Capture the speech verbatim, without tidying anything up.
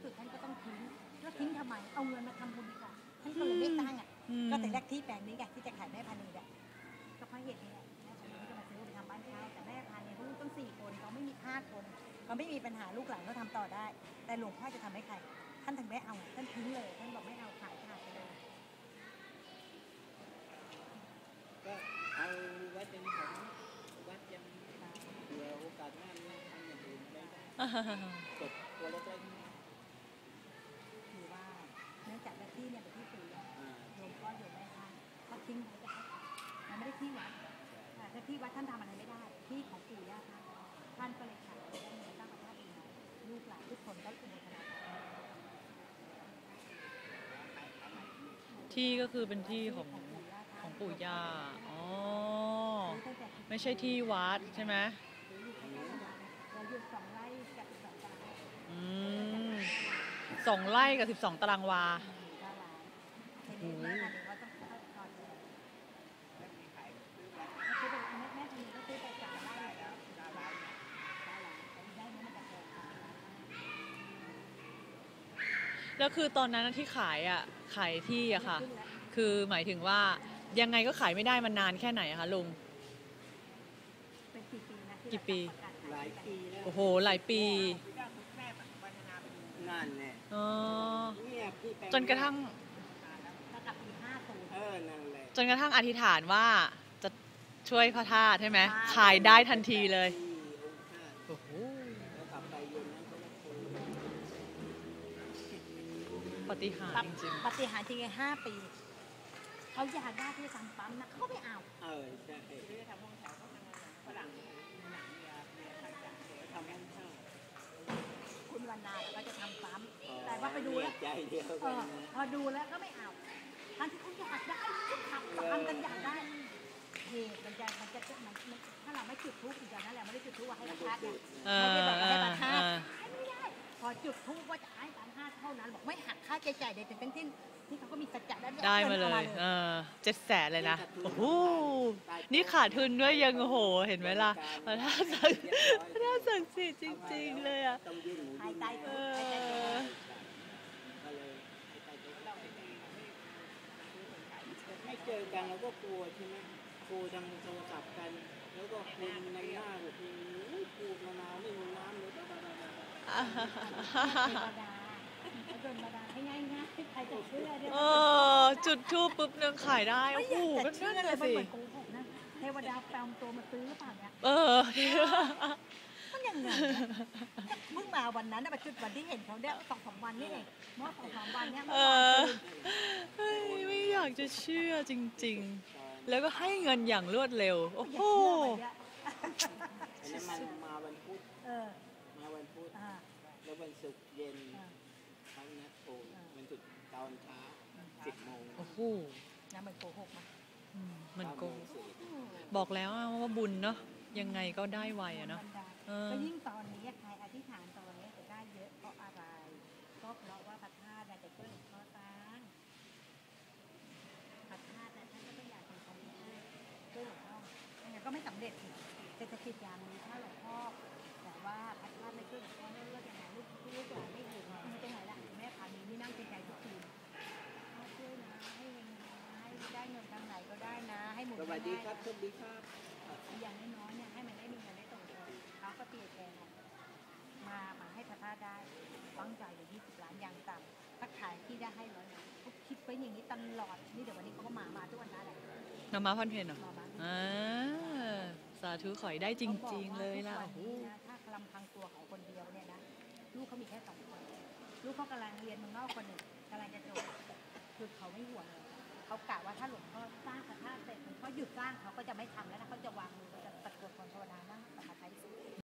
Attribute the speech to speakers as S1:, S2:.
S1: สุดท่านก็ต้องทิ้งแล้วทิ้งทำไมเอาเงินมาทำบุญดีกว่าท่านก็เลยไม่ตั้งอ่ะก็แต่แรกที่แปลงนี้ไงที่จะขายแม่พันธุ์เนี่ยก็เพราะเหตุนี้แหละแม่พันธุ์ก็มาซื้อไปทำบ้านเช่าแต่แม่พันธุ์เนี่ยลูกต้องสี่คนเขาไม่มีห้าคนเขาไม่มีปัญหาลูกหลานเขาทำต่อได้แต่หลวงพ่อจะทำให้ใครท่านถึงไม่เอาท่านทิ้งเลยท่านบอกไม่เอาขายขาดไปเลย
S2: ก็เอาวัดเป็นของวัดยังเผื่อโอกาสหน้านี้ทำอย่างอื่นไม่ได้กดตัวเล็กๆ
S1: คือว่าเนื่องจากที่เนี่ยเป็นที่ปู่หลวงพ่ออยู่แม่ท่านเขาทิ้งไว้ก็มันไม่ได้ที่วัดแต่ที่วัดท่านทำอะไรไม่ได้ที่ของปู่ย่าท่านท่านก็เลยขายได้เงินตั้งพระธาตุเองลูกหลานทุกคนก็อุโมทนา
S3: ที่ก็คือเป็นที่ของของปู่ย่าอ๋อไม่ใช่ที่วัดใช่ไหม
S1: เราอยู่สองไร่กับสองตาราง
S3: อืมสองไร่กับสิบสองตารางวา
S1: โอ้โห
S3: แล้วคือตอนนั้นที่ขายอ่ะขายที่อะค่ะคือหมายถึงว่ายังไงก็ขายไม่ได้มันนานแค่ไหนอะคะลุง
S1: เป็นกี่ปีนะ
S3: กี่ปี
S2: หลายปีแล้ว
S3: โอ้โหหลายปี
S2: นั่นแหละ
S3: จนกระทั่งจนกระทั่งอธิษฐานว่าจะช่วยพระธาตุใช่ไหมขายได้ทันทีเลยโอ้โหปฏิหารจริง
S1: ปฏิหารจริงห้าปีเขาอยากได้ที่ทำปั๊มนะเขาไม่เอา
S2: เออใช่ที่ทำห้องแถวเขาทำฝรั่งหนังยาเบียร์ไทยจ่าเดี๋ยวทำห้องเช่า
S1: คุณวรรณาเขาจะทำปั๊มแต่ว่าไปดูแล้วพอดูแล้วก็ไม่เอาท่านที่เขาอยากได้ทำปั๊มกันอยากได้เหตุมันจะมันจะมันถ้าเราไม่จุดธูปอีกอย่างนั้นแหละไม่ได้จุดธูปว่าให้พระธาตุเนี่ยไม่ได้บอกให้พระธาตุไม่ได้พอจุดธูปว่าจะให้พระธาตุเท่านั้นบอกไม่หักค่าใช้จ่ายใดๆทั้งสิ้นที่เขาก็มีสัจจะได้
S3: ได้มาเลยเออเจ็ดแสนเลยนะโอ้โหนี่ขาดทุนด้วยยังโอ้โหเห็นไหมล่ะพระธาตุศักดิ์พระธาตุศักดิ์สิทธิ์จริงๆเลยอ่ะ
S1: หายใจเออ
S2: ไม่เจอกันเราก็กลัวใช่ไหมกลัวทางโทรศัพท์กันแล้วก็คุยในหน้าแบบพูดมานานไม่มีน้ำเลย
S1: โดนมาดาให้ง่ายง่ายใครจะเชื่อเนี่ย
S3: เออจุดทูปปุ๊บนึงขายได้โอ้โหก็นั่นเลยสิ
S1: เทวดาแปลงตัวมาซื้อหรือเปล่าเนี่ย
S3: เออ
S1: มันยังไงเพิ่งมาวันนั้นนะจุดวันที่เห็นเขาเนี่ยสองสามวันนี่เองเมื่อสองสามวันเนี่ย
S3: เออไม่อยากจะเชื่อจริงๆแล้วก็ให้เงินอย่างรวดเร็วโอ้โห
S2: มันมาวันพุธมาวันพุธแล้ววันศุกร์เย็นเขานัดโทรวันศุกร์ตอนเช้าสิบโมง
S3: โอ้โห
S1: น้ำมันโกหกมั้ย
S3: มันโกหกบอกแล้วว่าบุญเนาะยังไงก็ได้ไวอะเนาะ
S1: ก็ยิ่งตอนนี้ใครอธิษฐานตอนนี้จะได้เยอะเพราะอะไรก็เพราะว่าพระธาตุจะช่วยหลวงพ่อสร้างพระธาตุท่านก็ต้องอยากทำความดีช่วยหลวงพ่องั้นก็ไม่สำเร็จเศรษฐกิจยามนี้ถ้าหลวงพ่อแต่ว่าพระธาตุไม่ช่วยหลวงพ่อเลิกอย่างไรลูกลูกหลานไม่อยู่ไม่ตรงไหนละแม่พามีนี่นั่งใจทุกทีช่วยนะให้ให้ได้เงินทางไหนก็ได้นะให้หมุน
S2: สวัสดีครับสวัสดีครับ
S1: อย่างน้อยๆเนี่ยให้มันได้มีเงินได้ตรงตัวเขาก็เปลี่ยนแปลงมามาให้พระธาตุได้ตั้งใจอยู่ยี่สิบล้านอย่างต่ำถ้าขายที่ได้ให้ร้อยล้านเขาคิดไปอย่างนี้ตลอดนี่เดี๋ยววันนี้เขาก็มามาทุกวันนั้นแหละ
S3: มามาพันเพนเหรออ่าสาธุขอยได้จริงๆเลยล่ะ
S1: ถ้าลำพังตัวของคนเดียวเนี่ยนะลูกเขามีแค่สองคนลูกเขากำลังเรียนเมืองนอกคนหนึ่งกำลังจะจบคือเขาไม่ห่วงเลยเขากะว่าถ้าหลวงพ่อสร้างพระธาตุเสร็จหลวงพ่อหยุดสร้างเขาก็จะไม่ทำแล้วนะเขาจะวางมือจะตัดกดคนภาวนานั่งสมาธิ